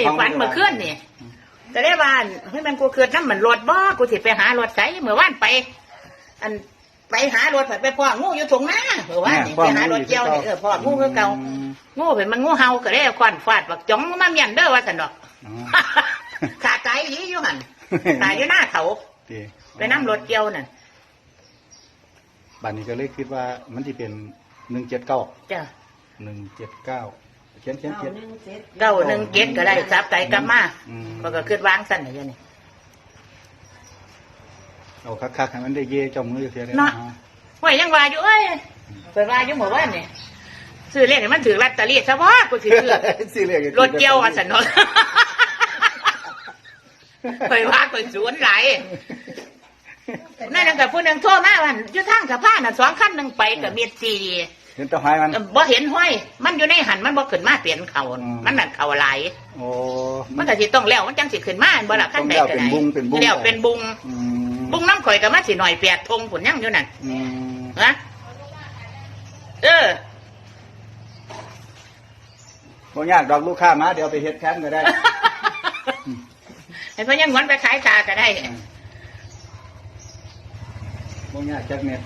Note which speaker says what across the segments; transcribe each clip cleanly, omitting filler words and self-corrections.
Speaker 1: ฝันเมื่อคืนนี่ก็ได้ว่าเฮ้ยมันกูเกิดน้ำมันรถบ่กูสิไปหารถไสเมื่อวานไป อันไปหารถไปพ่องูอยู่ตรงหน้าเมื่อวานนี่ไปหารถเกี่ยวนี่พ่องูคือเก่างูเป็นมันงูเห่าก็ได้ควันฟาดบักจ้องมาเมียนเด้อว่าสันดอกขาตายอยู่หันตายอยู่หน้าเขาไปน้ำรถเกี่ยวนั่น
Speaker 2: บัดนี้ก็เลยคิดว่ามันที่เป็น179
Speaker 1: จ้ะ
Speaker 2: 179เขียน
Speaker 1: 917ก็ได้ซับใจกลับมาก็คิดวางสั่นอย่างนี้
Speaker 2: เอาคักๆให้มันได้เย่เจ้ามือเสียเลย
Speaker 1: เนาะว่ายังว่าอยู่เอ้ยเปิดว่าอยู่หมู่บ้านนี่ซื้อเลขให้มันถือลอตเตอรี่ซะบ่กูสิซื้อรถเกี่ยวว่าซั่นเนาะไปว่าไปสวนหลายนั่นก็ผู้นึงโทรมาว่าอยู่ทางสะพานน่ะ2คันนึงไปก็มี4
Speaker 2: เห็นตัวหายมัน
Speaker 1: บ่เห็นห้อยมันอยู่ในหันมันบ่ขึ้นมาเปลี่ยนเขามันนั่นเขาหลาย
Speaker 2: โอ้
Speaker 1: มันก็สิต้องแล้วมันจังสิขึ้นมาบ่ล่ะคันใดก็ได้แล้วเป็นบุงบุงน้ำข่อยก็มาสิหน่อย8 ธงผลยังอยู่นั่นฮะ
Speaker 2: บ่ยากดอกลูกค้ามาเดี๋ยวไปเฮ็ดแค้นก็ได้
Speaker 1: ให้พ่อยังงอนไปขายตาก็ได้
Speaker 2: บ่ยากจักเม็ด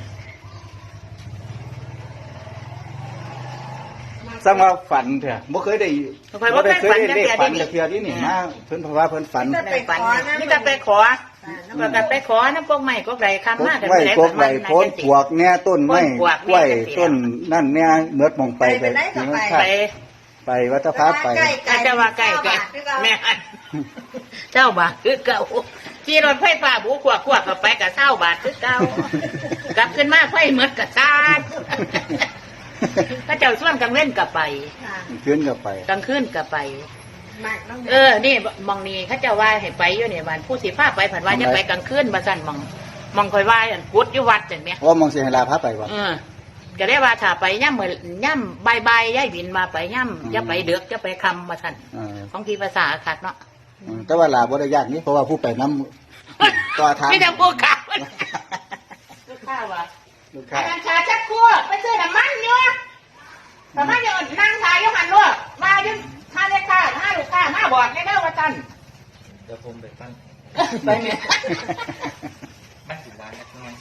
Speaker 2: สร้างว่าฝันเถอะบ่เคยได้
Speaker 1: บ่ได้เคย
Speaker 2: ได้เลขฝันจากเพียนี่นี่มาเพิ่นเพราะว่าเพิ่นฝัน
Speaker 1: นี่จะไปขอแล้วก็ไปขอน้ำพวกใหม่ก็ไก่คำมากกัน
Speaker 2: ไปพวกใหม่โพนปวกแน่ต้นไม้กล้วยต้นนั่นเนี่ยเมือดมองไปไปวัดพระไป
Speaker 1: เจ้าว่าใกล้แม่เจ้าบาทคือเก่าขี่รถไฟฟ้าบูขวบกับไปกับเศร้าบาทคือเก่ากลับขึ้นมาไฟเมือดกับซาดพระเจ้าส่วนกลางเว้นกับไป
Speaker 2: ขึ้นกับไป
Speaker 1: กลางคืนกับไปนี่มองนี่เขาเจ้าว่าให้ไปอยู่เนี่ยวันผู้สิผ้าไปผ่านว่าจะไปกลางคืนมาสั่นมองคอยว่ากุดอยู่วัดเห็นไหม
Speaker 2: ว่ามองเสียเวลาพระไปวะ
Speaker 1: ก็ได้ว่าถ้าไปย่ำเหมือนย่ำใบย่ายบินมาไปย่ำจะไปเดือกจะไปคำมาสั่นของที่ภาษาขาดเนาะ
Speaker 2: แต่ว่าลาบ่ได้ยากนี้เพราะว่าผู้ไปน้ำต่อทาง
Speaker 1: ไม่ต้องพูดข่าวลูกค้าว่ะอาจารย์ชาชักคั่วไปซื้อน้ำมันเยอะน้ำมันเยอะนั่งขายยกหันลูกมายุ่งถ้าได้ค่าถ้าลูกค้ามาบอกได้เด้อว่าจัน
Speaker 3: เดี๋ยวผมไปตั้ง
Speaker 1: ไปเนี่ย
Speaker 3: ไม่ถึงร้านนะไง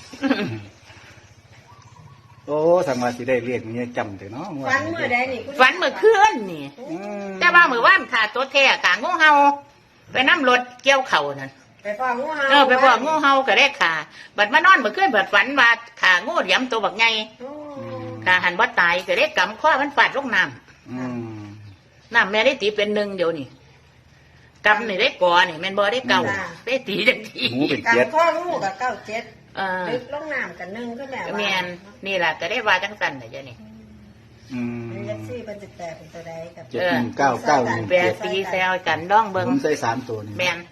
Speaker 2: โอ้สังมาสิได้เรียกนี่จำแต่เนาะ
Speaker 1: ฝันเมื่อใดนี่ฝันเมื่อคืนนี่แต่ว่าเมื่อวานขาตัวแท้ขางูเห่าไปน้ำรถเกี่ยวเข่านั่น
Speaker 4: ไปพ่องูเห่า
Speaker 1: ไปพ่องูเห่าก็ได้ขาบัดมานอนเมื่อคืนบัดฝันว่าขางูเหลี่ยมตัวบักไงขาหันบ่ตายก็ได้กำข้อมันฟาดลงน้ำแม่ได้ตีเป็น1เดี๋ยวนี่กำนี่ได้ก่อนี่แม่นบ่ได้เก่าได้ตีจังที
Speaker 2: ก
Speaker 4: ำข้องูกับ97ลึกลงน้ำกัน1ก็แบบ
Speaker 1: แม่นนี่แหละก็ได้ว่าจังสั่นน่ะเจ้านี่
Speaker 4: ยักษ์ซี่เป็น18เป็นตัวใดกับ
Speaker 2: 71991
Speaker 1: แปดตีแซวกันดองเบิ่ง
Speaker 2: ผมใส่3ตัวนี่
Speaker 1: แม่น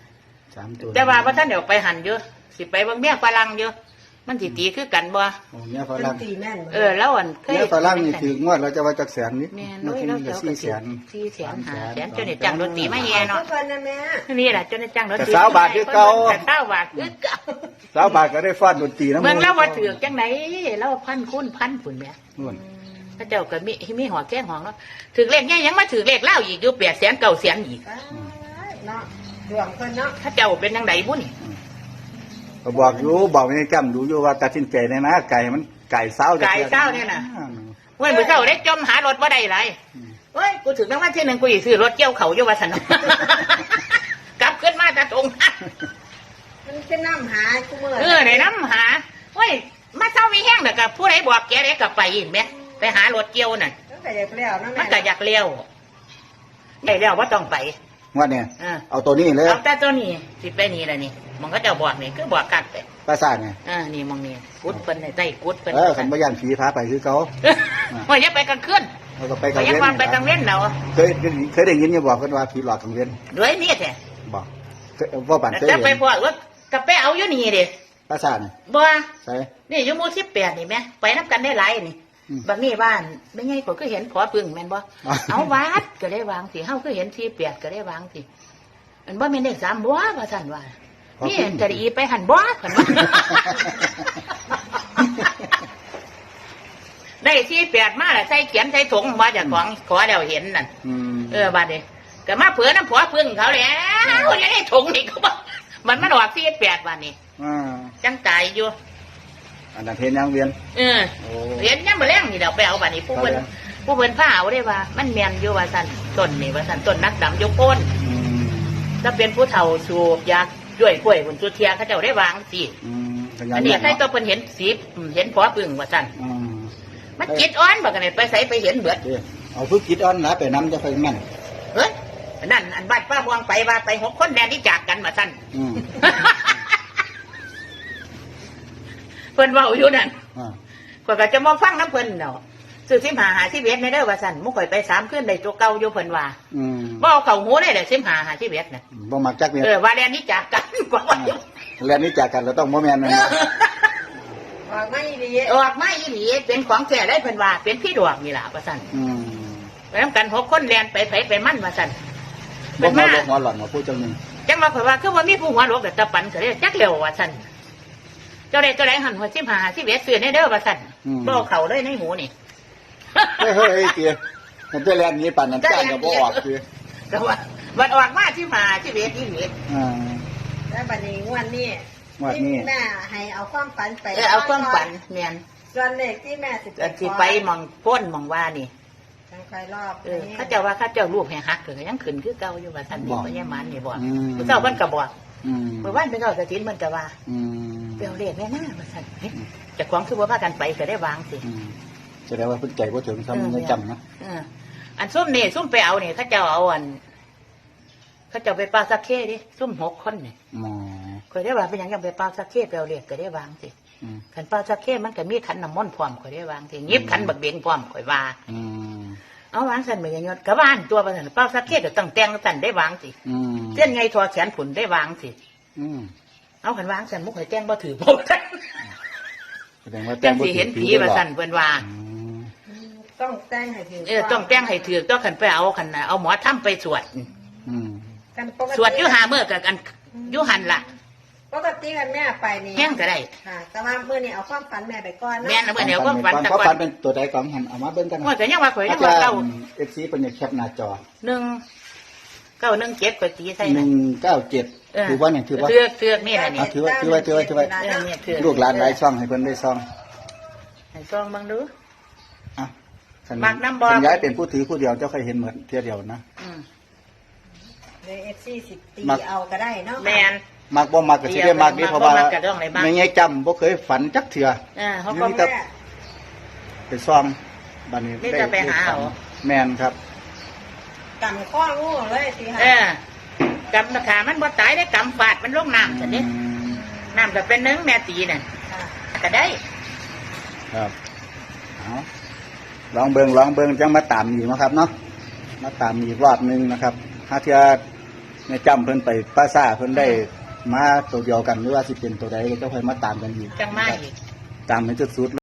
Speaker 2: 3ตัว
Speaker 1: แต่ว่าท่านเดี๋ยวไปหันเยอะสิไปเบิ่งเมียฝรั่งเยอะมันสิตีคือกันบ่
Speaker 2: เมียฝรั่ง
Speaker 1: แล้วอัน
Speaker 2: เมียฝรั่งนี่ถืองวดเราจะว่าจักแสนนิด
Speaker 1: มัน
Speaker 2: ขึ้นก็400,000
Speaker 1: จนได้จังรถตีมาแย่เนาะนี่แหละจนได้จังรถตี
Speaker 2: 20 บาทคือเก่า
Speaker 1: 20 บาทคือเก่า
Speaker 2: 20 บาทก็ได้ฟาดดนตรีนำ
Speaker 1: เมืองแล้วว่าถือจังไหนแล้วพันคูณพันพุ่นแม่พระเจ้าก็มีหัวแก้งห้องเนาะถือเลขแง่ยังมาถือเลขเล่าอีกอยู่800,000 900,000อีก
Speaker 4: เนาะดวงเพิ่นเนาะ
Speaker 1: พระเจ้าเป็นจังได๋บุนี่
Speaker 2: ก็บอกอยู่บอกไม่จำดูอยู่ว่าตัดสินใจได้นะไก่มันไก่เศร้า
Speaker 1: เนี่ยนะเว้ยมือเศร้าได้จมหารถว่าได้ไรเฮ้ยกูถึงตั้งวันที่1กูอีซื้อรถเกี่ยวเขาอยู่ว่าสนกลับขึ้นมาตะตรง
Speaker 4: มันเป็นน้ำหากูเมื่
Speaker 1: อในน้ำหาเฮ้ยมาเศร้ามีแห้งเด็กกับผู้ใดบอกแกได้กลับไปอีกไหมไปหารถเกี่ยวนั่น
Speaker 4: มันก็อยากเลี้ยวนะ
Speaker 1: มันก็อยากเลี้ยวได้แล้วว่าต้องไป
Speaker 2: ว่าเนี่ยเอาตัวนี้เลย
Speaker 1: เอาแต่ตัวนี้สิไปนี่แหละนี่มันก็จะบอกนี่คือบอกกัดไป
Speaker 2: ภาษาไง
Speaker 1: นี่มองนี่กุดเป็นใต้กุดเป็น
Speaker 2: ขันบยันผีพาไปคือเขา
Speaker 1: ว่าอย่าไปกลางคืน
Speaker 2: เราก็ไปกลาง
Speaker 1: เว้นไปกลางเว้นเรา
Speaker 2: เคยได้ยินอย่าบอกกันว่าผีหลอกกลางเว้น
Speaker 1: ด้วยนี่แท้
Speaker 2: บอกว่าบัน
Speaker 1: จะไปพอว่ากระเป๋าอยู่นี่ดิ
Speaker 2: ภาษาไง
Speaker 1: บ่
Speaker 2: ใช่
Speaker 1: นี่อยู่หมู่18นี่แม่ไปนับกันได้หลายนี่บางนี่บ้านไม่ไงก็คือเห็นขอพึ่งแม่นบ่เอาวัดก็ได้วางสิเฮาคือเห็น48ก็ได้วางสิมันบ่แม่นเลข3บ่ว่าซั่นว่านี่จะได้ไปหันบ่คั่นว่าได้48มาแล้วใส่เขียนใส่ถุงมาจากของขอแล้วเห็นนั่นบาดนี้ก็มาเผื่อน้ำผัวพึ่งเขาแล้วยังได้ถุงนี่เขาบอกมันออก48วันนี่จังตายอยู่
Speaker 2: อันนั้นเห็นยังเวียน
Speaker 1: เห็นยังมาแรงนี่เดี๋ยวไปเอาบัดนี้ผู้เพิ่นผ้าเอาได้ว่ามันแมนอยู่ว่าสั่นต้นนี่ว่าสั่นต้นนักดำยกโคนถ้าเป็นผู้เฒ่าสูบยาด้วยกล้วยคนจุเทียเขาเจ้าได้วางสิอันนี้ใครตัวเพิ่นเห็นสีเห็นผัวพึ่งว่าสั่นมันจิตอ่อนบักกันไปใส่ไปเห็นเบิด
Speaker 2: เอาฝึกจิตอ่อนนะไปน้ำจะไปแม่น
Speaker 1: เฮ้ยนั่นอันบ้านป้าบวงไปว่าไป6 คนแดนที่จากกันมาสั่นเพิ่นว่าอยู่นั่นก็จะมาฟังน้ำเพิ่นเนาะซื้อ15-51ในเด้อว่าสั่นมุข่อยไป3 คืนได้ตัวเก่าอยู่เพิ่นว่าบ่เอาเข้าหูได้เลย15-51น่ะ
Speaker 2: บ่มักจักเนี่ย
Speaker 1: ว่าแดนนี้จากกันกว่าว่า
Speaker 2: แดนนี้จากกันเราต้องบ่แม่นนั่น
Speaker 4: ออกมาอีหลี
Speaker 1: เป็นของแท้ได้เพิ่นว่าเป็นพี่ดวงนี่ล่ะว่าสั่นไปนำกัน6 คนแล่นไปไผไปมั่นว่าสั่น
Speaker 2: เพิ่นมาหัวหล่อนมาพูดจังนึง
Speaker 1: จังว่าข่อยว่าคือว่ามีผู้หัวโลกแต่ตะปันก็เลยจักเร็วว่าสั่นเจ้าใดหันหัว15-51ซื้อในเด้อว่าสั่นบ่เอาเข้าเลยในหูนี่
Speaker 2: เฮ้ยเตี้ยมันจะแล่นนี้ปั่นน้ำจ้างก็บ่ออกเตี้ย
Speaker 1: แต่ว่ามันออกมา15-51นี่
Speaker 4: แล้วบัดนี้งวดนี้แม่ให้เอาความฝันไป
Speaker 1: เอาความฝันแม่น
Speaker 4: ส่วนเลขที่แม่
Speaker 1: สิไปมองพ้นมองว่านี่
Speaker 4: จังค่อยรอบ
Speaker 1: เขาเจ้าว่าเขาเจ้ารูปให้ฮักก็ยังขึ้นคือเก่าอยู่ว่าซั่นนี่บ่ยายมันนี่บ่ผู้เจ้าเพิ่นก็บอกเมื่อวานเพิ่นก็สถินมันก็ว่าเปียวเลขแม่หน้าว่าซั่นเจ้าของคือว่าพากันไปก็ได้วางสิ
Speaker 2: แสดงว่าเพิ่นใจบ่ถึงซ้ำยังจำนะ
Speaker 1: อันซุ่มนี่ซุ่มไปเอานี่เขาเจ้าเอาอันเขาเจ้าไปปลาสักเข้ดิซุ่ม6 คนนี่ข่อยได้ว่าเป็นหยังไปปลาสักเข้ไปเอาเลขก็ได้วางสิขันปลาสักเข้มันก็มีขันน้ำมนต์พร้อมข่อยได้วางสิยิบขันบักเบงพร้อมข่อยว่าเอาวางสั่นไปยังยศกระบ้านตัวไปสั่นเป้าสักเทศก็ต้องแต่งสั่นได้วางสิเส้นไงทอแขนผุนได้วางสิเอาขันวางสั่นมุกให้แต่งบ่ถือโบสั่นแต่งสิเห็นผีมาสั่นเพิ่นว่า
Speaker 4: ต้องแต่งให้ถือ
Speaker 1: ต้องแต่งให้ถือต้องขันไปเอาขันเอาหมอทำไปสวดสวดอยู่5 มื้อกับกันอยู่หันละ
Speaker 4: ปกติกันแม่ไปนี่
Speaker 1: แห้งก็ได้
Speaker 4: ค่ะแต่ว่ามื้อนี้เอาความฝันแม่ไปก่อน
Speaker 1: แม่เมื่อเดี๋ยวความฝัน
Speaker 2: ตะก่อนเป็นตัวใดก่อนหันเอามาเบิ่งกัน
Speaker 1: ว่าแต่ยังว่าข่อยยังว่าเก่า
Speaker 2: FC เพิ่นจะแคปหน้าจอ
Speaker 1: 1917ข่อยตีใส่
Speaker 2: 197ถือว่าเนี่ยถือว่า
Speaker 1: เทือกนี่แหละนี่
Speaker 2: ถือไว้ลูกหลานหลายช่องให้เพิ่นได้ซ่อง
Speaker 1: ให้ซ่องเบิ่งดู
Speaker 2: มักน้ำบ่ย้ายเป็นผู้ถือผู้เดียวเจ้าเคยเห็นเหมือนเที่ยวเดียวนะ
Speaker 4: ใน FC 10 ตีเอาก็ได้เนาะ
Speaker 1: แม่น
Speaker 2: มักบ่มักก็สิได้มักนี่เพราะว่าไม่ไงจำบ่เคยฝันจักเทื่อ
Speaker 1: เขาก็
Speaker 2: ไปซ่อมบัดนี้
Speaker 1: ได้ไปหาเอา
Speaker 2: แม่นครับ
Speaker 4: กำข้องูเลยสิค่ะ
Speaker 1: กำขามันบ่ตายได้กำฟาดมันลงน้ำซั่นเด้น้ำก็เป็นนึงแม่ตีน่ะก็ได้
Speaker 2: ครับเอาลองเบิ่งจังมาตามอีกนะครับเนาะมาตามอีกรอบนึงนะครับถ้าเทื่อในจำเพิ่นไปป้าซ่าเพิ่นได้มาตัวเดียวกันหรือว่าสิเป็นตัวใดก็ค่อยมาตามกันอีก
Speaker 1: จังมาอีก
Speaker 2: ตามให้สุด